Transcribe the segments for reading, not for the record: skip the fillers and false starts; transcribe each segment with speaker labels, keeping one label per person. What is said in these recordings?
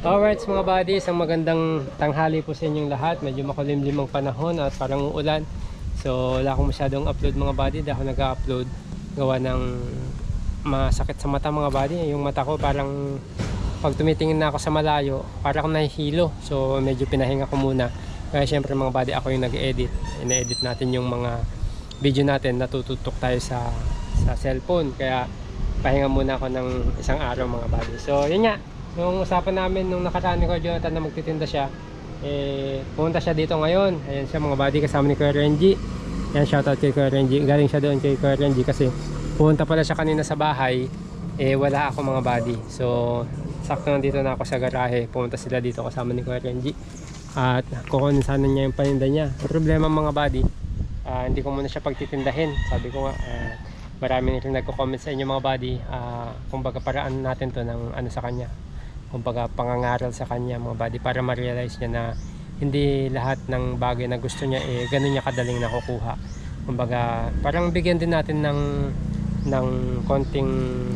Speaker 1: Alright mga buddies, ang magandang tanghali po sa inyong lahat. Medyo makulimlim ang panahon at parang uulan. So wala akong masyadong upload mga buddy. Dahil ako nag-upload gawa ng masakit sa mata mga buddy. Yung mata ko parang pag tumitingin na ako sa malayo, parang nahihilo. So medyo pinahinga ko muna. Kaya syempre mga buddy, ako yung nag-edit. Ina-edit natin yung mga video natin. Natututok tayo sa cellphone. Kaya pahinga muna ako ng isang araw mga buddy. So yun nga, nung usapan namin nung nakaraan ni Kuya Jonathan na magtitinda siya, pumunta siya dito ngayon. Ayan siya mga buddy, kasama ni Kuya Renji. Ayan, shoutout kay Kuya Renji. Galing siya doon kay Kuya Renji kasi pumunta pala siya kanina sa bahay, wala ako mga buddy. So sakto nandito na ako sa garahe. Pumunta sila dito kasama ni Kuya Renji at kukunin sana niya yung paninda niya. Ang problema mga buddy, hindi ko muna siya pagtitindahin. Sabi ko nga, marami rin nagko-comment sa inyo mga buddy, kumbaga paraan natin to ng ano sa kanya, kumbaga pangangaral sa kanya mga buddy, para ma-realize niya na hindi lahat ng bagay na gusto niya ganun niya kadaling nakukuha. Kumbaga parang bigyan din natin ng konting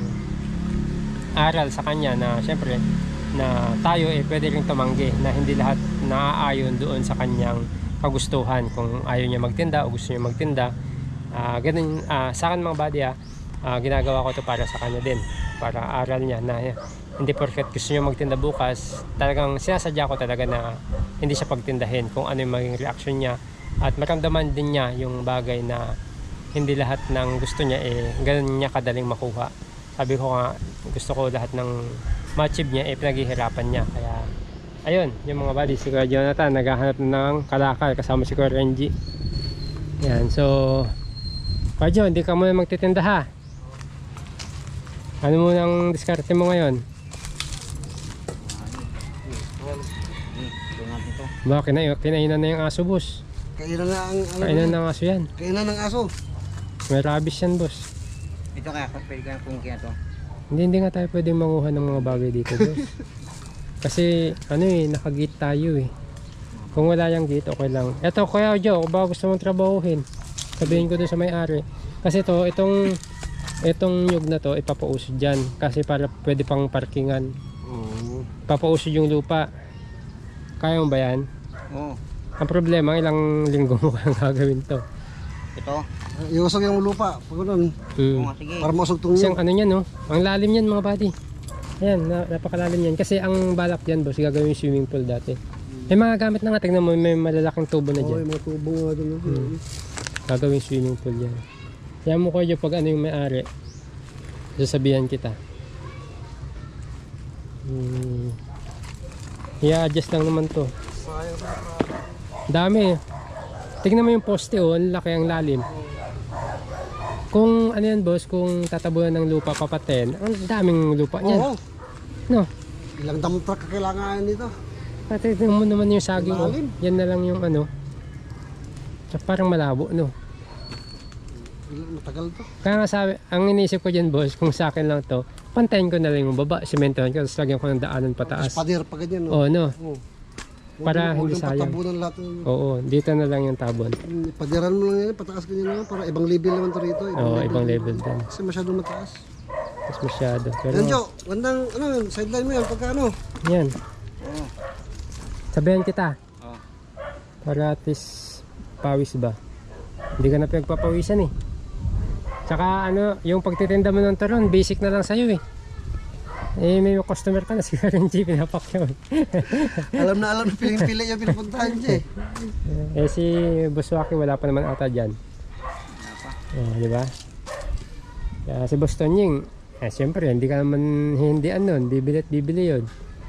Speaker 1: aral sa kanya na syempre na tayo pwede rin tumanggi, na hindi lahat naaayon doon sa kanyang kagustuhan. Kung ayaw niya magtinda o gusto niya magtinda, ganun sa akin mga buddy, ginagawa ko to para sa kanya din, para aral niya na hindi porket gusto niya magtinda bukas, talagang sinasadya ko talaga na hindi siya pagtindahin kung ano yung maging reaction niya, at maramdaman din niya yung bagay na hindi lahat ng gusto niya ganun niya kadaling makuha. Sabi ko nga, gusto ko lahat ng ma-achieve niya pinaghihirapan niya. Kaya ayun, yung mga buddy, si Kuya Jonathan naghahanap ng kalakal kasama si Kuya Renji. Yan, so Kuya Jo, hindi ka muna magtitinda ha? Ano mo nang diskarte mo ngayon? Ba, kinainan na yung aso, boss.
Speaker 2: Kainan na ang
Speaker 1: Kainan ng aso yan.
Speaker 2: Kainan ng aso.
Speaker 1: May rabies yan, boss.
Speaker 3: Ito kaya, pwede ka kung kaya to.
Speaker 1: Hindi nga tayo pwedeng manguha ng mga bagay dito, boss. Kasi ano nakagate tayo Kung wala yung gate, okay lang. Eto Kuya Jo, kung ba gusto mong trabahuhin, sabihin ko doon sa may-ari. Kasi itong nyug na to ipapausod dyan, kasi para pwede pang parkingan. Papausod yung lupa. Kaya mo ba yan?
Speaker 3: Oo.
Speaker 1: Ang problema, ilang linggo mo kang gagawin to.
Speaker 3: Ito?
Speaker 2: Iusog yung lupa. Pag ganun.
Speaker 3: Oo nga, sige.
Speaker 2: Para mausog itong
Speaker 1: Kasi ang ano yan, ang lalim yan mga buddy. Ayan, napakalalim yan. Kasi ang balak dyan, boss, gagawin yung swimming pool dati. May mga gamit na nga, tignan mo, may malalaking tubo na dyan.
Speaker 2: may mga tubo nga dyan.
Speaker 1: Gagawin swimming pool yan. Kaya mo ko dyan pag ano yung may-ari, sasabihan kita. I-adjust lang naman to. Dami. Tignan mo yung poste, ang laki, ang lalim. Kung ano yan, boss, kung tatabunan ng lupa papaten, ang daming lupa niyan.
Speaker 2: Oo.
Speaker 1: No?
Speaker 2: Ilang dump truck kailangan dito.
Speaker 1: Tignan mo naman yung saging.
Speaker 2: Lalim.
Speaker 1: Yan na lang yung ano. Parang malabo, no?
Speaker 2: Matagal to.
Speaker 1: Kaya nga sabi, ang iniisip ko dyan, boss, kung sa akin lang to, pantayin ko na lang yung baba, sementohan ko, tapos lagyan ko ng daanan pataas.
Speaker 2: Pader pa ganyan, no?
Speaker 1: Oo, no?
Speaker 2: Oo.
Speaker 1: Para hindi sayang.
Speaker 2: Patabunan lahat.
Speaker 1: Oo, dito na lang yung tabon.
Speaker 2: Padiran mo lang yan, pataas ganyan, para ibang level naman to rito.
Speaker 1: Oo, ibang level din.
Speaker 2: Kasi masyadong mataas.
Speaker 1: Mas masyado. Pero,
Speaker 2: Yan, Jo, gandang, sideline mo yan, pagka
Speaker 1: yan.
Speaker 3: Oo.
Speaker 1: Sabihan kita.
Speaker 3: Oo.
Speaker 1: Para at least pawis ba? Hindi ka na pinagpapawisan Tsaka yung pagtitinda mo ng turon, basic na lang sa'yo may customer ka na, si Renji, pinapakyaw
Speaker 2: alam na piling-pili yung pinupuntahan siya
Speaker 1: si Buswaki wala pa naman ata dyan. Di ba? Kaya si Bostonying, siyempre hindi ka naman hindian nun, bibili yun.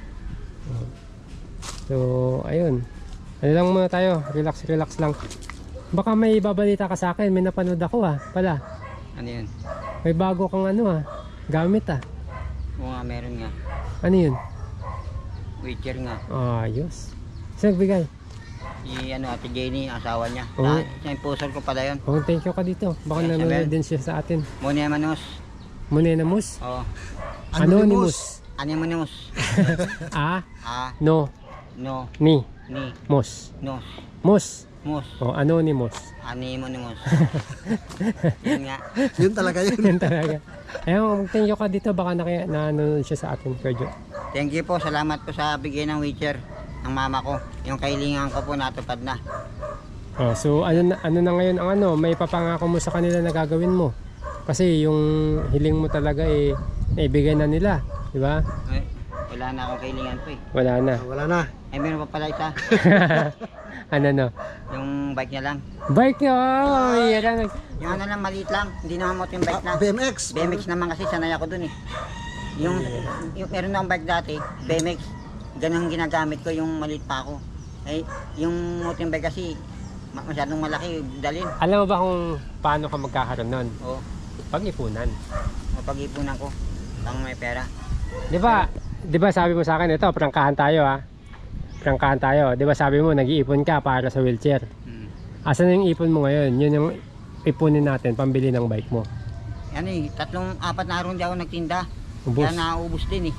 Speaker 1: So ayun, ano lang muna tayo, relax lang. Baka may babalita ka sa akin, may napanood ako pala.
Speaker 3: Ano yun?
Speaker 1: May bago kang gamit
Speaker 3: Oo nga, meron nga.
Speaker 1: Ano yun?
Speaker 3: Wheelchair nga.
Speaker 1: Ayos. Sino nagbigay?
Speaker 3: Si Ate Jenny, asawa niya.
Speaker 1: Oo.
Speaker 3: Siya yung pusol ko pala yun.
Speaker 1: Thank you ka dito. Baka
Speaker 3: Yes,
Speaker 1: nanonood
Speaker 3: Abel.
Speaker 1: din siya sa atin.
Speaker 3: Muna Manos.
Speaker 1: Monenamos?
Speaker 3: Oo.
Speaker 1: Anonymous.
Speaker 3: Anonymous.
Speaker 1: A,
Speaker 3: Ah,
Speaker 1: no,
Speaker 3: no,
Speaker 1: ni,
Speaker 3: ni,
Speaker 1: mos.
Speaker 3: nos.
Speaker 1: Mos.
Speaker 3: Mus.
Speaker 1: O, anonymous.
Speaker 3: Anonymous. Yun nga.
Speaker 2: Yun talaga yun.
Speaker 1: Yan talaga. Ayun, thank you ka dito. Baka nanonood siya sa atin, Kuya Jo.
Speaker 3: Thank you po. Salamat po sa bigay ng wheelchair ng mama ko. Yung kailangan ko po natupad na.
Speaker 1: Oh, so ano na ngayon ang ano, may papangako mo sa kanila na gagawin mo. Kasi yung hiling mo talaga naibigay na nila, di ba?
Speaker 3: Eh, wala na akong kailangan po eh.
Speaker 1: Wala na.
Speaker 2: Wala na.
Speaker 3: Ay, meron pa pala isa.
Speaker 1: Ano no?
Speaker 3: Yung bike niya lang.
Speaker 1: Bike nyo! Oh, yan.
Speaker 3: Yung ano lang, maliit lang. Hindi naman mo yung bike na.
Speaker 2: BMX.
Speaker 3: BMX naman kasi sanay ako dun eh. Yung meron akong bike dati, BMX. Ganun ang ginagamit ko yung maliit pa ako. Ay, yung mountain bike kasi masyadong malaki, dalin.
Speaker 1: Alam mo ba kung paano ka magkakaroon nun?
Speaker 3: O,
Speaker 1: Pag-ipunan.
Speaker 3: mapag-ipunan ko. Pang may pera.
Speaker 1: Di ba sabi mo sa akin, ito, prangkahan tayo ha. Prangkahan tayo. Di ba sabi mo, nag-iipon ka para sa wheelchair. Asan yung ipon mo ngayon? Yun yung ipunin natin, pambili ng bike mo.
Speaker 3: Ano eh, 3-4 na araw hindi ako nagtinda.
Speaker 1: Ubus.
Speaker 3: Kaya naubos din eh.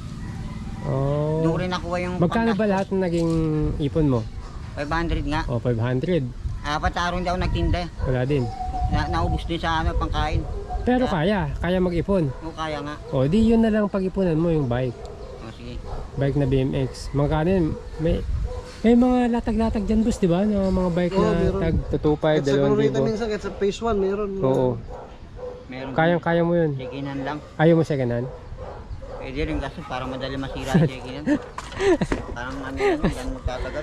Speaker 1: Oh.
Speaker 3: Doon ko rin nakuha yung
Speaker 1: Magkano ba lahat ng naging ipon mo?
Speaker 3: 500 nga.
Speaker 1: O, 500.
Speaker 3: 4 na araw hindi ako nagtinda.
Speaker 1: Wala din.
Speaker 3: Naubos din sa ano, pangkain.
Speaker 1: Pero kaya mag-ipon.
Speaker 3: O kaya nga.
Speaker 1: O, di yun na lang pag-ipunan mo yung bike.
Speaker 3: O sige.
Speaker 1: Bike na BMX. Magkano yun? May mga latag-latag dyan, boss, di ba? Na mga bike
Speaker 2: Oo,
Speaker 1: na
Speaker 2: meron.
Speaker 1: tag 225,
Speaker 2: Kahit sa Glorita
Speaker 1: 2,000.
Speaker 2: minsan, kahit sa phase 1 meron.
Speaker 1: Oo.
Speaker 3: Meron.
Speaker 1: Kaya mo yun.
Speaker 3: Check-inan lang.
Speaker 1: Ayaw mo second hand?
Speaker 3: Pwede rin kasi para madali masira yung check-inan. Parang ano yan, yan magtatagal.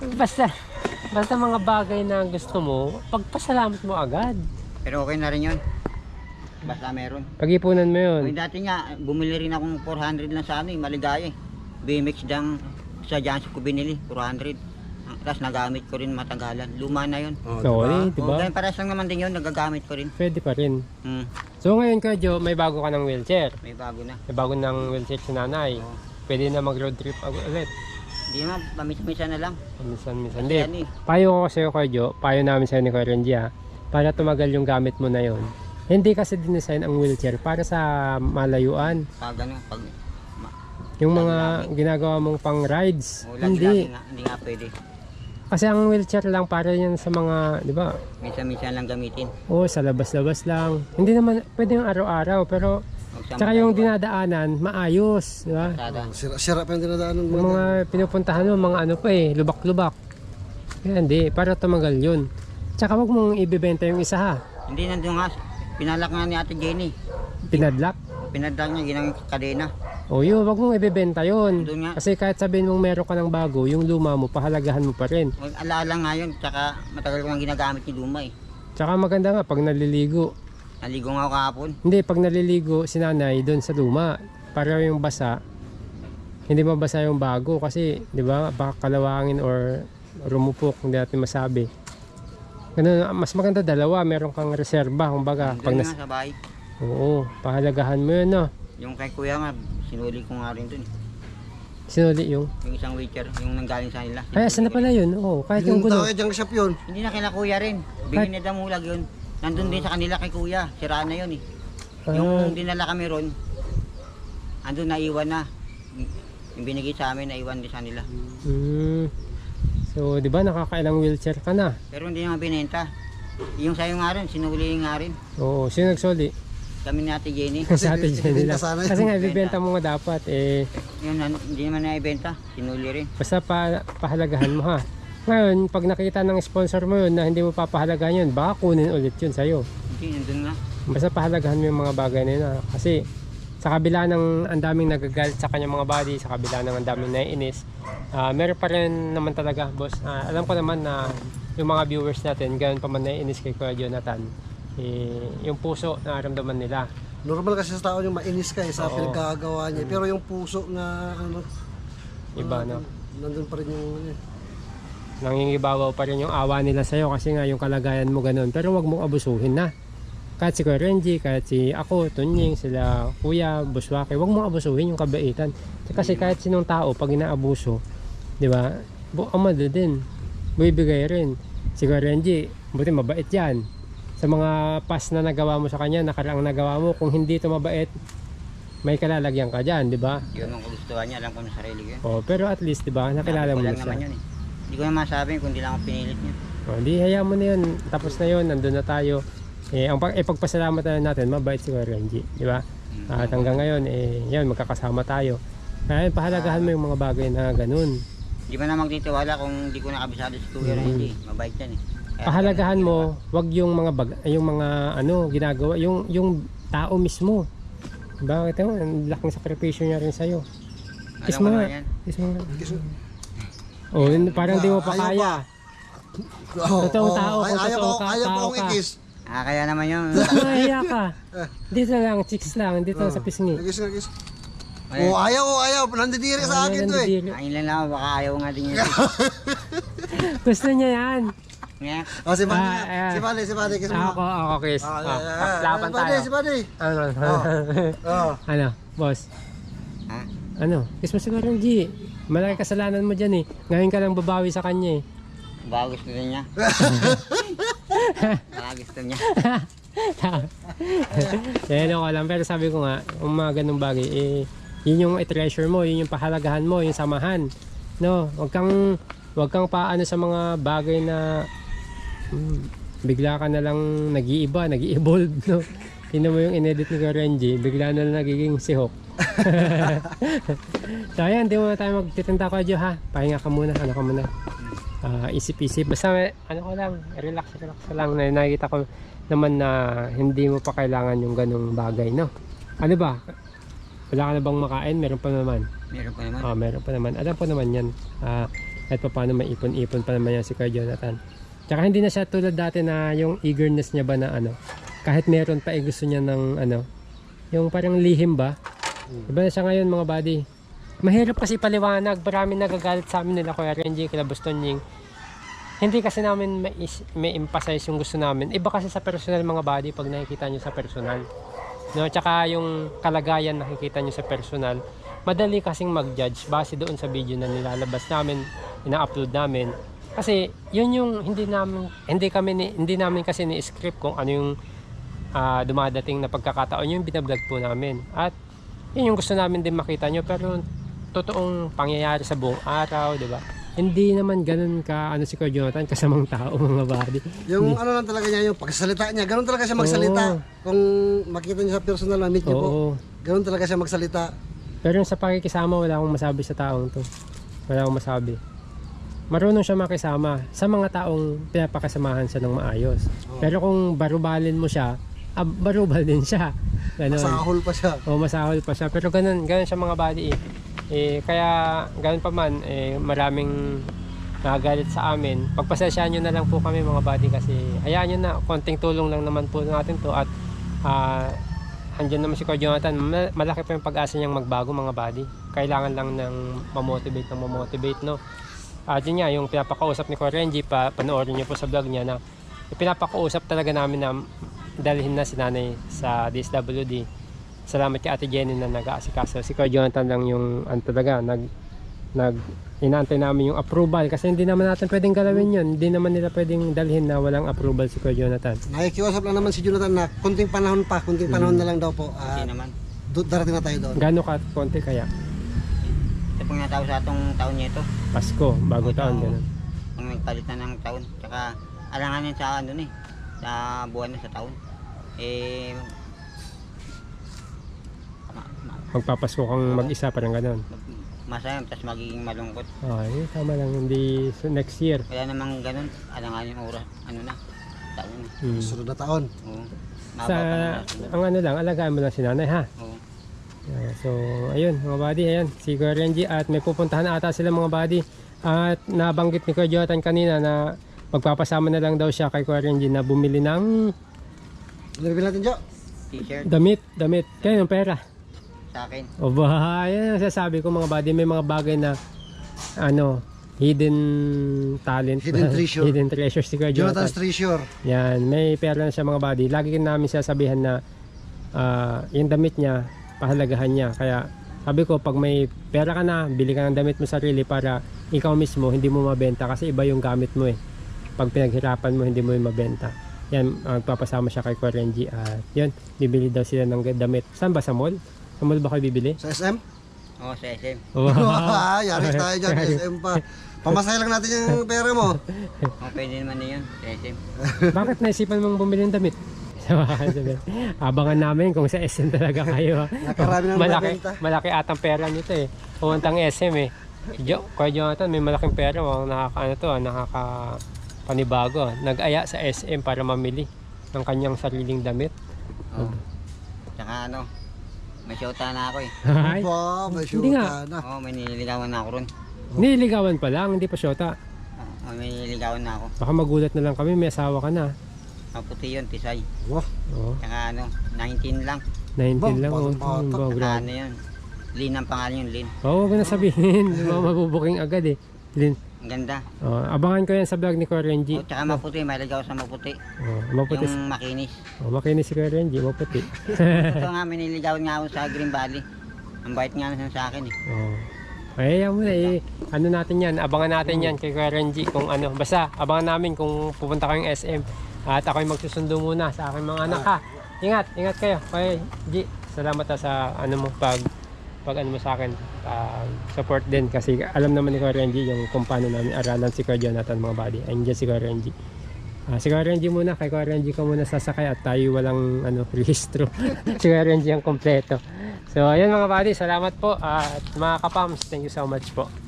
Speaker 1: Basta mga bagay na gusto mo, pagpasalamat mo agad.
Speaker 3: Pero okay na rin yun. Basta meron.
Speaker 1: Pag-ipunan mo yun.
Speaker 3: Yung dati nga, bumili rin akong 400 lang sa ano eh, maligaya eh. BMX dang sa Jansi ko binili, 400. Tapos nagamit ko rin matagalan. Luma na yun.
Speaker 1: Oo, di
Speaker 3: O,
Speaker 1: ba?
Speaker 3: ganyan pares lang naman din yun, nagagamit ko rin.
Speaker 1: Pwede pa rin.
Speaker 3: Hmm,
Speaker 1: So ngayon, Kuya Jo, may bago ka ng wheelchair.
Speaker 3: may bago na.
Speaker 1: May bago ng wheelchair si nanay.
Speaker 3: Oo.
Speaker 1: Pwede na mag-road trip ulit.
Speaker 3: Hindi naman, pamisa-misa na lang.
Speaker 1: Minsan.
Speaker 3: Kasi
Speaker 1: Hindi.
Speaker 3: ano eh,
Speaker 1: Payo ko sa'yo, Kuya Jo. Payo namin sa'yo ni Kuya Renji, ha. Para tumagal yung gamit mo na yon. Hindi kasi dinesign ang wheelchair para sa malayuan.
Speaker 3: pag ano, pag
Speaker 1: Yung mga ginagawa mong pang rides.
Speaker 3: lagi
Speaker 1: Hindi.
Speaker 3: hindi nga pwede.
Speaker 1: Kasi ang wheelchair lang para yan sa mga, di ba?
Speaker 3: Minsan-minsan lang gamitin.
Speaker 1: Oo, sa labas-labas lang. Hindi naman pwede yung araw-araw, pero
Speaker 3: Huwag sa
Speaker 1: tsaka yung
Speaker 3: matagalan.
Speaker 1: dinadaanan, maayos, di ba?
Speaker 3: Kalsada.
Speaker 2: Sira pa yung dinadaanan mo.
Speaker 1: Yung mga pinupuntahan mo, mga ano pa eh, lubak-lubak. Kaya hindi, para tumagal yun. Tsaka wag mong ibibenta yung isa ha.
Speaker 3: Hindi nandun nga, pinalak nga ni Ate Jenny.
Speaker 1: Pinadlock.
Speaker 3: Pinadlak niya, ginang kadena.
Speaker 1: O yun, wag mong ibibenta yun.
Speaker 3: Doon nga.
Speaker 1: Kasi kahit sabihin mong meron ka ng bago, yung luma mo, pahalagahan mo pa rin.
Speaker 3: Huwag alaala nga yun, tsaka matagal ko nang ginagamit ni Luma eh.
Speaker 1: Tsaka maganda nga pag naliligo.
Speaker 3: Naligo nga ako kahapon.
Speaker 1: Hindi, pag naliligo si nanay doon sa luma, para yung basa, hindi mabasa yung bago kasi, di ba, baka kalawangin or rumupok, hindi natin masabi. Ganun, mas maganda dalawa, meron kang reserba, kumbaga.
Speaker 3: Doon nga sa bahay.
Speaker 1: Oo, pahalagahan mo yun, no?
Speaker 3: Yung kay kuya nga, sinuli ko nga rin dun.
Speaker 1: Sinuli yung...
Speaker 3: Yung isang wheelchair, yung nanggaling sa nila.
Speaker 1: Ay, asan na pala yun? Oo, kahit yung
Speaker 2: Yung
Speaker 1: gulo.
Speaker 2: tao junk shop yun.
Speaker 3: Hindi na kila kuya rin. Bigyan na damulag yun. Nandun din sa kanila kay kuya. Siraan na yun eh. Yung dinala kami ron, andun naiwan na. Yung binigay sa amin, naiwan din sa nila.
Speaker 1: So, di ba, nakakailang wheelchair ka na?
Speaker 3: Pero hindi naman binenta. Yung sayo nga rin, sinuli nga rin.
Speaker 1: Oo, sino nagsoli?
Speaker 3: Kami ni Ate Jenny.
Speaker 1: Sa atin siya nila.
Speaker 2: ibenta sana yun.
Speaker 1: Kasi nga, ibibenta mo nga dapat,
Speaker 3: Yun, hindi naman naibenta. Sinuli rin.
Speaker 1: basta pahalagahan mo ha. Ngayon, pag nakita ng sponsor mo yun na hindi mo papahalagahan yun, baka kunin ulit yun sa'yo.
Speaker 3: Hindi, nandun nga.
Speaker 1: Basta pahalagahan mo yung mga bagay na yun ha. Kasi sa kabila ng ang daming nagagalit sa kanyang mga body, sa kabila ng ang daming naiinis, meron pa rin naman talaga, boss. Alam ko naman na yung mga viewers natin, ganoon pa man naiinis kay Kuya Jonathan, yung puso nararamdaman nila.
Speaker 2: Normal kasi sa tao yung mainis ka sa
Speaker 1: Oo.
Speaker 2: pinagkagawa niya. Pero yung puso na ano,
Speaker 1: Iba, no?
Speaker 2: nandun pa rin yung ano,
Speaker 1: Nangingibabaw pa rin yung awa nila sa'yo kasi nga yung kalagayan mo ganun. Pero wag mong abusuhin na. Kahit si Kuya Renji, kahit si ako, Tunying, sila Kuya, Buswake, wag mong abusuhin yung kabaitan. Kasi kahit sinong tao, pag inaabuso, di ba, amado din, bibigay rin. Si Kuya Renji, buti mabait yan. Sa mga past na nagawa mo sa kanya, nakaraang nagawa mo, kung hindi ito mabait, may kalalagyan ka dyan, di ba?
Speaker 3: Yun ang kagustuhan niya, alam ko na sarili ko yun.
Speaker 1: Oh, pero at least, di ba, nakilala mo
Speaker 3: Sabi ko
Speaker 1: na
Speaker 3: lang
Speaker 1: siya.
Speaker 3: naman yun eh. Hindi ko na masabi kung di lang ako pinilit niya.
Speaker 1: O, di hayaan mo na yun. Tapos na yun, nandun na tayo. Pagpasalamat na natin, mabait si Kuya Renji, di ba? At hanggang ngayon, yan, magkakasama tayo. Kaya pahalagahan mo yung mga bagay na ganun.
Speaker 3: Di ba na magtitiwala kung di ko nakabisado si Kuya Renji? Mabait yan eh. Kaya
Speaker 1: Pahalagahan mo, wag yung mga yung mga ginagawa, yung tao mismo. Bakit mo? Ang laking sakripisyo niya rin sa'yo. Kiss
Speaker 3: Alam
Speaker 1: mo
Speaker 3: ko
Speaker 1: nga.
Speaker 3: naman yan.
Speaker 1: Kiss mo nga.
Speaker 2: Kiss mo.
Speaker 1: Oh, parang di mo pa
Speaker 2: Ayaw
Speaker 1: kaya. Totoong tao, kung totoong
Speaker 2: Ayaw
Speaker 1: tao
Speaker 2: pa akong
Speaker 1: ka.
Speaker 2: i-kiss.
Speaker 3: Kaya naman yun.
Speaker 1: Mahiya ka. Dito lang, chicks lang. Dito sa pisngi.
Speaker 2: Kiss nga, kiss.
Speaker 3: Ayun.
Speaker 2: Ayaw. Nandidiri ka sa akin to eh.
Speaker 3: Ayun lang lang, baka ayaw nga din yan.
Speaker 1: Gusto niya yan.
Speaker 3: Nga.
Speaker 2: Si Bade,
Speaker 1: ayan.
Speaker 2: si Bade, kiss mo.
Speaker 1: Ako, kiss. Laban tayo.
Speaker 2: Si Bade.
Speaker 1: Ano?
Speaker 2: Oh.
Speaker 1: Ano, boss?
Speaker 3: Ha?
Speaker 1: Ano? Kiss mo siguro yung G. Malaki kasalanan mo dyan eh. Ngayon ka lang babawi sa kanya eh.
Speaker 3: Baka gusto din niya. Baka gusto niya.
Speaker 1: Yan ako lang. Pero sabi ko nga, yung mga ganung bagay, yun yung i-treasure mo, yun yung pahalagahan mo, yung samahan. No, wag kang paano sa mga bagay na bigla ka na lang nag-iiba, nag-i-evolve, no. Tingnan mo yung inedit ni Renji, bigla na lang nagiging si Hawk. So ayan, di mo na tayo magtitinda ko ha. Pahinga ka muna, ano ka muna. Isip-isip. Basta ano ko lang, relax lang. Nakikita ko naman na hindi mo pa kailangan yung ganung bagay, no. Ano ba? Wala ka na bang makain? Meron pa naman.
Speaker 3: Meron pa naman.
Speaker 1: Meron pa naman. Alam ko naman yan. At paano may ipon-ipon pa naman yan si Kuya Jonathan. Tsaka hindi na siya tulad dati na yung eagerness niya ba na kahit meron pa gusto niya ng yung parang lihim ba? Iba na siya ngayon mga buddy. Mahirap kasi paliwanag. Maraming nagagalit sa amin nila Kuya Renji, kila Boston Ying. Hindi kasi namin may emphasize yung gusto namin. Iba kasi sa personal mga buddy pag nakikita nyo sa personal. No, tsaka yung kalagayan nakikita nyo sa personal, madali kasing mag-judge base doon sa video na nilalabas namin, ina-upload namin. Kasi yun yung hindi namin kasi ni-script kung ano yung dumadating na pagkakataon, yung binablog po namin. At yun yung gusto namin din makita nyo, pero totoong pangyayari sa buong araw, di ba? Hindi naman ganun ka si Kuya Jonathan, kasamang tao mga buddy.
Speaker 2: Yung ano lang talaga niya, yung pagsalita niya, ganun talaga siya magsalita. Kung makita niyo sa personal na meet niyo po, ganun talaga siya magsalita.
Speaker 1: Pero yung sa pakikisama, wala akong masabi sa taong to. Wala akong masabi. Marunong siya makisama sa mga taong pinapakasamahan siya ng maayos. Pero kung barubalin mo siya, barubal din siya. Ganun.
Speaker 2: Masahol pa siya.
Speaker 1: Masahol pa siya. Pero ganun siya mga buddy kaya ganun pa man, maraming nagagalit sa amin. Pagpasensyahan nyo na lang po kami mga buddy kasi hayaan nyo na, konting tulong lang naman po natin to. At andyan naman si Kuya Jonathan, malaki pa yung pag-asa niyang magbago mga buddy. Kailangan lang ng mamotivate, no. At yun nga, yung pinapakausap ni Kuya Renji, panoorin nyo po sa vlog niya na pinapakausap talaga namin na dalhin na si nanay sa DSWD. Salamat kay Ate Jenny na nag-aasikaso. Si Kuya Jonathan lang yung talaga inaantay namin yung approval kasi hindi naman natin pwedeng galawin yun. Hindi naman nila pwedeng dalhin na walang approval si Kuya Jonathan.
Speaker 2: Nakikiusap lang naman si Jonathan na kunting panahon na lang daw po.
Speaker 3: Hindi naman.
Speaker 2: Darating na tayo doon.
Speaker 1: Gano'n ka konti kaya?
Speaker 3: Pag natapos sa atong taon niya ito,
Speaker 1: Pasko, bago taon, gano'n.
Speaker 3: pag nagpalit na ng taon, tsaka alanganin sa sa buwan na sa taon.
Speaker 1: Magpapasko kang mag-isa, parang gano'n.
Speaker 3: Masaya, tapos magiging malungkot.
Speaker 1: Ay, tama lang, hindi next year.
Speaker 3: Wala namang ganun, alanganin yung oras, taon na.
Speaker 2: Sunod na taon.
Speaker 3: Oo.
Speaker 1: Sa, ang lang, alagaan mo lang si nanay ha.
Speaker 3: Oo.
Speaker 1: So, ayun mga buddy, ayan, si Kuya Renji at may pupuntahan ata sila mga buddy. At nabanggit ni Kuya Jonathan kanina na magpapasama na lang daw siya kay Kuya Renji na bumili ng
Speaker 2: Nilibin natin, Jo.
Speaker 3: T-shirt
Speaker 1: damit. Kaya yung pera.
Speaker 3: sa akin.
Speaker 1: O ba, yan ang sasabi ko mga buddy, may mga bagay na hidden talent.
Speaker 2: Hidden treasure.
Speaker 1: Hidden treasure si Kuya Jonathan.
Speaker 2: Jonathan's treasure.
Speaker 1: Yan, may pera na siya mga buddy. Lagi namin sasabihan na yung damit niya, pahalagahan niya. Kaya sabi ko, pag may pera ka na, bili ka ng damit mo sarili para ikaw mismo hindi mo mabenta kasi iba yung gamit mo eh. Pag pinaghirapan mo, hindi mo yung mabenta. Yan, magpapasama siya kay Kuya Renji at yun, bibili daw sila ng damit. Saan ba? Sa mall? Sa mall ba kayo bibili?
Speaker 2: Sa SM?
Speaker 3: Oo, sa SM.
Speaker 1: Oh.
Speaker 2: Yaris tayo dyan, SM pa. Pamasahe lang natin yung pera mo.
Speaker 3: O, pwede naman na yun. SM.
Speaker 1: Bakit naisipan mong bumili ng damit? Abangan namin kung sa SM talaga kayo.
Speaker 2: Nakarami na nabenta.
Speaker 1: Malaki atang pera nito eh. Pumuntang SM eh. Kuya Jonathan, may malaking pera. Nakakapanibago. Nag-aya sa SM para mamili ng kanyang sariling damit.
Speaker 3: O. Tsaka ano, may syota na ako eh.
Speaker 1: Ay,
Speaker 2: Opo, may
Speaker 1: Hindi nga.
Speaker 2: syuta na.
Speaker 3: Oo, may nililigawan na ako ron.
Speaker 1: nililigawan pa lang, hindi pa syota.
Speaker 3: Oo, may nililigawan na ako.
Speaker 1: Baka magulat na lang kami, may asawa ka na.
Speaker 3: Maputi yun, Tisay.
Speaker 2: Wow,
Speaker 1: Oo,
Speaker 3: Tsaka ano, 19 lang.
Speaker 1: 19 lang. Oh.
Speaker 2: Batang-bata.
Speaker 1: Wow,
Speaker 3: Tsaka
Speaker 1: grabe.
Speaker 3: ano yun, Lin ang pangalan yun, Lin.
Speaker 1: Oo, huwag ko na sabihin. Mabubuking agad eh. Lin.
Speaker 3: Ang ganda.
Speaker 1: Oh, abangan ko yan sa vlog ni Kuya Renji.
Speaker 3: O, tsaka maputi, may ligaw sa maputi.
Speaker 1: Oh, maputi.
Speaker 3: Yung makinis.
Speaker 1: Oh, makinis si Kuya Renji, maputi.
Speaker 3: Ito nga, may niligawan nga ako sa Green Valley. Ang bait nga na sa akin eh.
Speaker 1: Oh. Ay, yan muna eh. Ano natin yan? Abangan natin yan kay Kuya Renji kung ano. Basta, abangan namin kung pupunta kayong SM. At ako'y magsusundo muna sa aking mga anak ha. Ingat, ingat kayo. Kuya G, salamat sa ano mo pag ano mo sa akin. Support din kasi alam naman ni Kuya Renji yung kung paano namin aralan si Kuya Jonathan mga buddy. Ayun dyan si Kuya Renji. Si Kuya Renji muna, kay Kuya Renji ka muna sasakay at tayo walang rehistro. Si Kuya Renji ang kompleto. So ayun mga buddy, salamat po at mga kapams, thank you so much po.